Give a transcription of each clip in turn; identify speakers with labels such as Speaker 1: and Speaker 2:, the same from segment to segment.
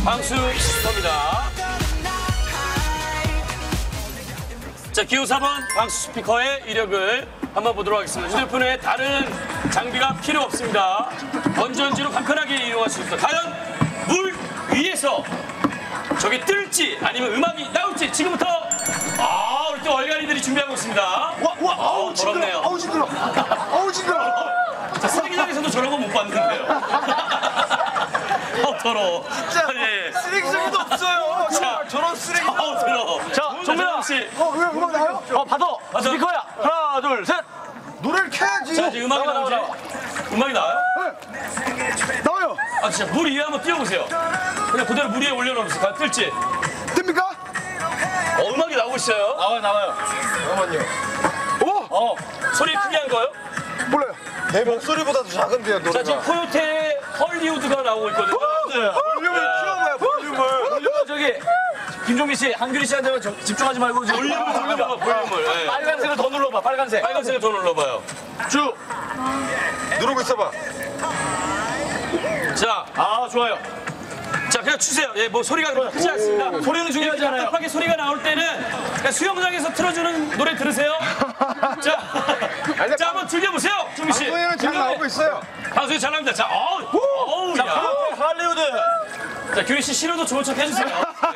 Speaker 1: 방수 스피커입니다. 자, 기호 4번 방수 스피커의 이력을 한번 보도록 하겠습니다. 휴대폰에 다른 장비가 필요 없습니다. 건전지로 간편하게 이용할 수 있습니다. 과연 물 위에서 저게 뜰지 아니면 음악이 나올지 지금부터 우리 또 얼간이들이 준비하고 있습니다.
Speaker 2: 아우
Speaker 1: 더럽네요.
Speaker 2: 아우 징그러. 아우 징그러.
Speaker 1: 자, 쓰레기장에서도 저런 거 못 봤는데요. 더러워.
Speaker 2: 진짜
Speaker 1: 예.
Speaker 2: 쓰레기장도 없어요.
Speaker 1: 자,
Speaker 2: 저런 쓰레기.
Speaker 1: 더러워.
Speaker 3: 자, 정민아
Speaker 1: 씨.
Speaker 2: 왜 음악 나요?
Speaker 3: 받아. 스피커야. 하나, 둘, 셋.
Speaker 2: 노래를 켜야지.
Speaker 1: 자, 이제 음악이
Speaker 3: 나와,
Speaker 1: 나오지?
Speaker 3: 나와.
Speaker 1: 음악이 나와요?
Speaker 2: 나와요.
Speaker 1: 아, 진짜 물 위에 한번 띄워보세요. 그냥 그대로 물 위에 올려놓으세요. 과연 뜰지.
Speaker 2: 뜹니까?
Speaker 1: 음악이 나오고 있어요.
Speaker 3: 나와요.
Speaker 2: 잠깐만요.
Speaker 1: 소리 크게 한 거요?
Speaker 2: 몰라요. 내 목소리보다도 작은데요,
Speaker 1: 자, 지금
Speaker 2: 노래가.
Speaker 1: 코요태 헐리우드가 나오고 있거든요.
Speaker 2: 볼륨을 키워봐요, 볼륨을.
Speaker 3: 저기 김종민 씨, 한규리 씨한테 집중하지 말고
Speaker 1: 볼륨을 돌려봐, 볼륨을. 예.
Speaker 3: 빨간색을 더 눌러봐. 빨간색.
Speaker 1: 빨간색을 더 눌러봐요.
Speaker 3: 쭉.
Speaker 2: 누르고 있어봐.
Speaker 1: 자,
Speaker 3: 좋아요.
Speaker 1: 자, 그냥 추세요. 예, 뭐 소리가 그렇게 크지 않습니다.
Speaker 3: 소리는 중요하지 않아요.
Speaker 1: 답답하게 소리가 나올 때는 그냥 수영장에서 틀어주는 노래 들으세요. 자, 자, 한번 들려보세요, 준미 씨.
Speaker 2: 방송에는 잘 나오고 있어요.
Speaker 1: 방송이 잘 나옵니다. 자, 어우, 야.
Speaker 3: 할리우드.
Speaker 1: 자, 규리 씨 싫어도 좋은 척 해주세요. 네.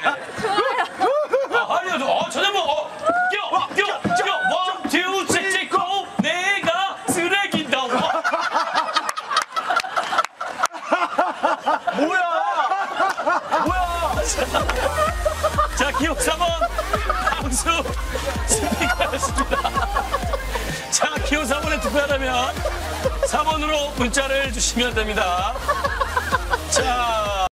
Speaker 1: 할리우드, 전혀 뭐, 껴, 원, 투, 칙, 고, 내가 쓰레기다.
Speaker 3: 뭐야?
Speaker 1: 자, 기호 4번 방수 스피커였습니다. 자, 기호 4번에 투표하려면 4번으로 문자를 주시면 됩니다. 자,